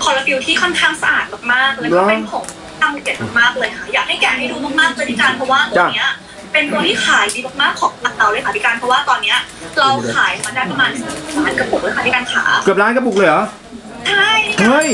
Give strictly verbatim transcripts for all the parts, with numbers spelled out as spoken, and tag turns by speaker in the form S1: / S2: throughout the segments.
S1: อลลาฟิลที่ค่อนข้างสะอาดมากๆแล้วก็เป็นผงทำเด็ดมากๆเลยค่ะอยากให้แกะให้ดูมากๆเลยพี่การเพราะว่าตัวเนี้ยเป็นตัวที่ขายดีมากๆของเราเลยค่ะพี่การเพราะว่าตอนเนี้ยเราขายมาได้ประมาณล้านกระปุกเลยค่ะพี่การขา
S2: เกือบล้านกระปุกเลยเหรอ
S1: ใช่
S2: เฮ้ย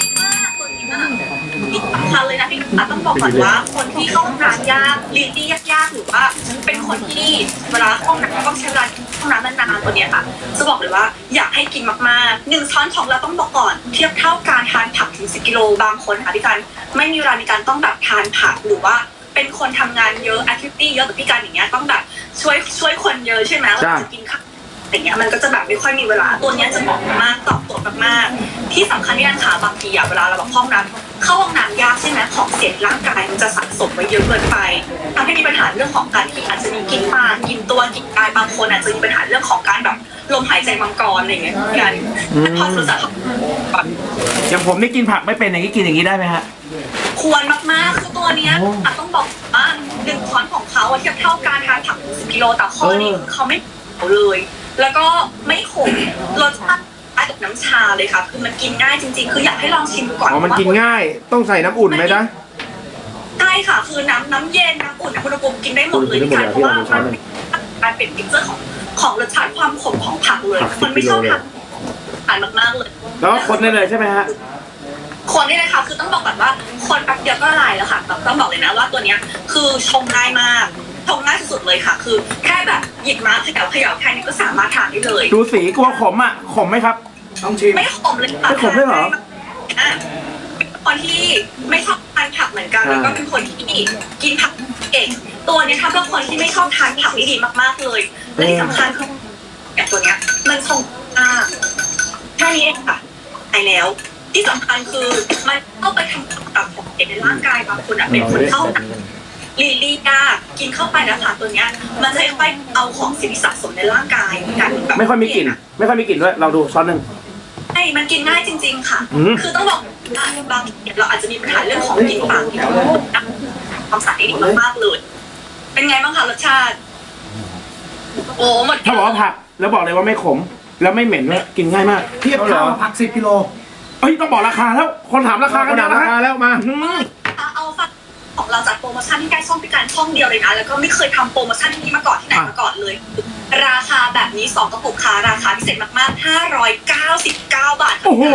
S1: ที่สำคัญเลยนะพี่การต้องบอกก่อนว่าคนที่เข้าห้องน้ำยากลีดดี้ยากๆหรือว่าเป็นคนที่เวลาห้องน้ำต้องใช้เวลาห้องน้ำนานๆตัวเนี้ยค่ะจะบอกเลยว่าอยากให้กินมากๆหนึ่งช้อนของเราต้องบอกก่อนเทียบเท่าการทานผักถึงสิบกิโลบางคนค่ะพี่การไม่มีเวลาในการต้องแบบทานผักหรือว่าเป็นคนทำงานเยอะแอคทิวิตี้เยอะแบบพี่การอย่างเงี้ยต้องแบบช่วยช่วยคนเยอะใช่ไหมเราจะกินข้าวอย่างเงี้ยมันก็จะแบบไม่ค่อยมีเวลาตัวเนี้ยจะเหมาะมากตอบโจทย์มากๆที่สำคัญที่การขาบางทีอะเวลาเราแบบห้องน้ำเข้าห้องน้ำยากใช่ไหมของเสียร่างกายมันจะสะสมไว้เยอะเกินไปทำให้มีปัญหาเรื่องของการที่อาจจะมีกินปากกินตัวกินกายบางคนอาจจะมีปัญหาเรื่องของการแบบลมหายใจมังกรอะไรอย่างเงี้ยกันพอรู้สึก
S3: อย่างผมนี่กินผักไม่เป็นอย่างนี้กินอย่างนี้ได้ไหมฮะ
S1: ควรมากๆคือตัวเนี้ยต้องบอกว่าหนึ่งช้อนของเขาเทียบเท่าการทานผักสิบกิโลแต่ข้อนี้เขาไม่เอาเลยแล้วก็ไม่ขมรสชาติคล้ายกับน้ำชาเลยค่ะคือมันกินง่ายจริงๆคืออยากให้ลองชิมก่อน
S2: อ๋อมันกินง่ายต้องใส่น้ำอุ่นไหมจ๊ะ
S1: ใช่ค่ะคือน้ำน้ำเย็นน้ำอุ่นอุณหภูมิกินได้หมดเลยค่ะเพราะว่ามันการเปลี่ยนพิกเจอร์ของของรสชาติความขมของผักเลยมันไม่ชอบทานทานมากๆเลย
S3: แล้วคนได้เลยใช่ไหมฮะ
S1: คนได้เลยค่ะคือต้องบอกก่อนว่าคนแป๊บเดียวก็ละลายแล้วค่ะแบบต้องบอกเลยนะว่าตัวเนี้ยคือชงง่ายมากชงง่ายสุดๆเลยค่ะคือแค่แบบหยิบมาเขย่าเขย่าแค่นี้ก็สามารถทานได้เลย
S3: ดูสีกลัวขมอ่ะขมไหมครับ
S2: ต้องชิม
S1: ไม่ขมเลยค่ะ
S3: ไม่ขมได้เหรอ
S1: คนที่ไม่ชอบทานผักเหมือนกันแล้วก็เป็นคนที่กินผักเก่งตัวนี้ถ้าเป็นคนที่ไม่ชอบทานผักนี่ดีมากๆเลยและที่สำคัญคือแบบตัวเนี้ยมันชงมากแค่นี้เองค่ะไปแล้วที่สำคัญคือมันเข้าไปทำกับของเด็กในร่างกายบางคนอ่ะเป็นคนเข้าลีลีกากินเข้าไปแล้วค่ะตัวเนี้ยมันจะค่อยๆเอาของสิ่งสะสมในร่างกายกันแบบ
S3: ไม่ค่อยมีกลิ่นไม่ค่อยมีกลิ่นด้วยเราดูช้อนหนึ่ง
S1: ใช่มันกินง่ายจริงๆค่ะคือต้องบอกบางทีเราอาจจะมีปัญหาเรื่องของกลิ่นปากที่ความสะอาดดีมากๆเลยเป็นไงบ้างคะรสชาติโอ้หมด
S3: ถ้าบอกว่าผักแล้วบอกเลยว่าไม่ขมแล้วไม่เหม็นด้วยกินง่ายมาก
S2: เทียบเท่าผักสิบกิโล
S3: เอ้ยต้องบอกราคาแล้วคนถามราคากันนะ
S2: ราคาแล้วมา
S1: เอาฟังของเราจัดโปรโมชั่นที่ใกล้ช่องพิการช่องเดียวเลยนะแล้วก็ไม่เคยทำโปรโมชั่นที่นี้มาก่อนที่ไหนมาก่อนเลยราคาแบบนี้สองกระปุกค่ะราคาพิเศษมากๆห้าร้อยเก้าสิบเก้าบาท
S3: โอ้โห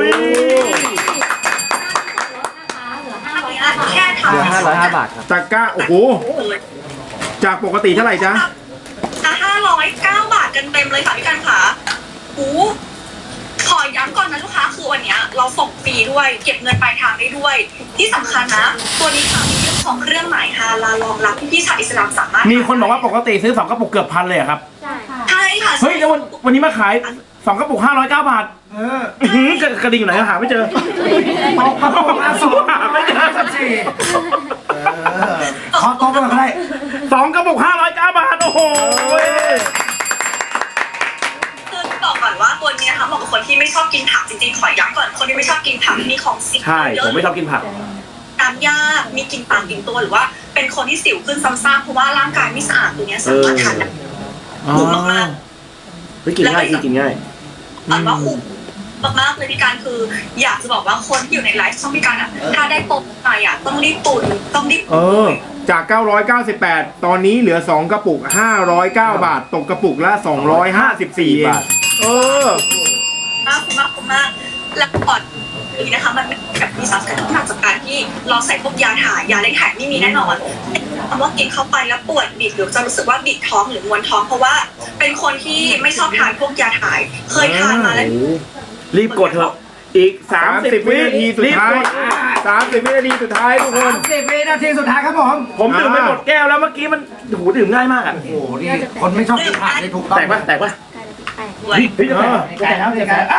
S1: แค่ทำ
S3: ห้าร้อยห้าบาทครับ
S2: ตะก้าโอ้โหจากปกติเท่าไหร่จ๊ะ
S1: ห้าร้อยเก้าบาทกันเต็มเลยค่ะพี่การขาโอ้ขอย้ำก่อนนะลูกค้าคือวันนี้เราส่งฟรีด้วยเก็บเงินปลายทางได้ด้วยที่สำคัญนะตัวนี้ค่ะมีเรื่องของเครื่องหมายฮาลาลรองรับที่พี่ชาวอิสลามสามารถ
S3: มีคนบอกว่าปกติซื้อสองกระปุกเกือบพันเลยครับ
S1: ใช่ค่ะใช่ค่ะ
S3: เฮ้ยแล้ววันวันนี้มาขายสองกระปุกห้าร้อยเก้าบาทเออกระดิ่งอยู่ไหนหาไม่เจอ
S2: ตกกระปุกละสองไม่เจอสักทีขอโต๊ะมาได้
S3: สองกระปุกห้าร้อยเก้าบาทโอ้โห
S1: บอกก่อนว่าตัวนี้นะคะเหมาะกับคนที่ไม่ชอบกินผักจริงๆขอย้ำก่อนคนที่ไม่ชอบกินผักมีของสิว
S3: ใช่ผมไม่ชอบกินผัก
S1: น้ำยากมีกลิ่นปากกลิ่นตัวหรือว่าเป็นคนที่สิวขึ้นซ้ำๆเพราะว่าร่างกายไม่สะอาดตัวนี้สามารถทานได้คุ้มมาก
S3: ๆไม่กินง่ายกินง่าย
S1: อันว่าคุ้มมากๆเลยพี่การคืออยากจะบอกว่าคนที่อยู่ในไลฟ์ช่องพี่การอ่ะถ้าได้โปรไปอ่ะต้องรีบตุนต้องรีบ
S2: เออจากเก้าร้อยเก้าสิบแปดตอนนี้เหลือสองกระปุกห้าร้อยเก้าบาทตกกระปุกละสองร้อยห้าสิบสี่บาทเออ
S1: มากคุ้มมากคุ้มมากแล้วก่อนนี้นะคะมันแบบมีสารสกัดที่มาจากการที่เราใส่พวกยาถ่ายยาเล่นถ่ายไม่มีแน่นอนคำว่ากินเข้าไปแล้วปวดบิดหรือจะรู้สึกว่าบิดท้องหรือมวนท้องเพราะว่าเป็นคนที่ไม่ชอบทานพวกยาถ่ายเคยทานมาแล้ว
S3: รีบกดเถอะอีกสามสิบวินาทีสุดท้าย
S2: สามสิบวินาทีสุดท้ายทุกคน
S4: สามสิบวินาทีสุดท้ายครับผม
S3: ผมดื่มไปหมดแก้วแล้วเมื่อกี้มันโหดื่มง่ายมากอ่ะ
S4: โอ้โหนี่คนไม่ชอบกินผักนี่ถูกต้อง
S3: แตกปะแตกปะ
S1: เฮ้ย
S4: แตกแล้วแตกแล้ว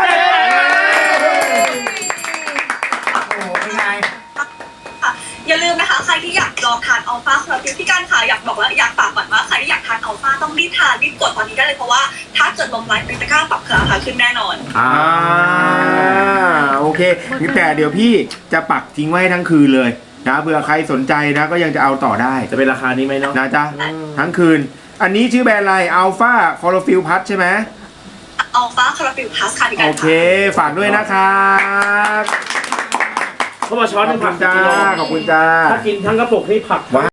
S4: โอ้โหเป็นไง
S1: อย่าลืมนะคะใครที่อยากลองทานอัลฟาคาราฟิลพี่การค่ะอยากบอกว่าอยากฝากก่อนว่าใครที่อยากทานอัลฟาต้องรีบทานรีบกดตอนนี้ได้เลยเพราะว่าถ้าเกิดลงไลน์เป็นตะกร้าปรับราคาขึ้นแน่นอน
S2: อ่าโอเคแต่เดี๋ยวพี่จะปักทิ้งไว้ทั้งคืนเลยนะเผื่อใครสนใจนะก็ยังจะเอาต่อได้
S3: จะเป็นราคานี้ไหมเนาะ
S2: นะจ๊ะทั้งคืนอันนี้ชื่อแบรนด์อะไรอัลฟาคาราฟิลพัทใช่ไหม
S1: อัลฟาคาราฟิลพลัสค่ะพี่กั
S2: โอน เค ฝากด้วยนะครับ
S3: เขามาช้อน
S2: ข
S3: ห
S2: อ
S3: นึ่
S2: บ
S3: ง
S2: คุ
S3: ผั
S2: ณ
S3: ก
S2: จ้า
S3: กิโล
S2: ขอบคุณจ้า
S3: ถ้ากินทั้งกระปุกนี่ผัก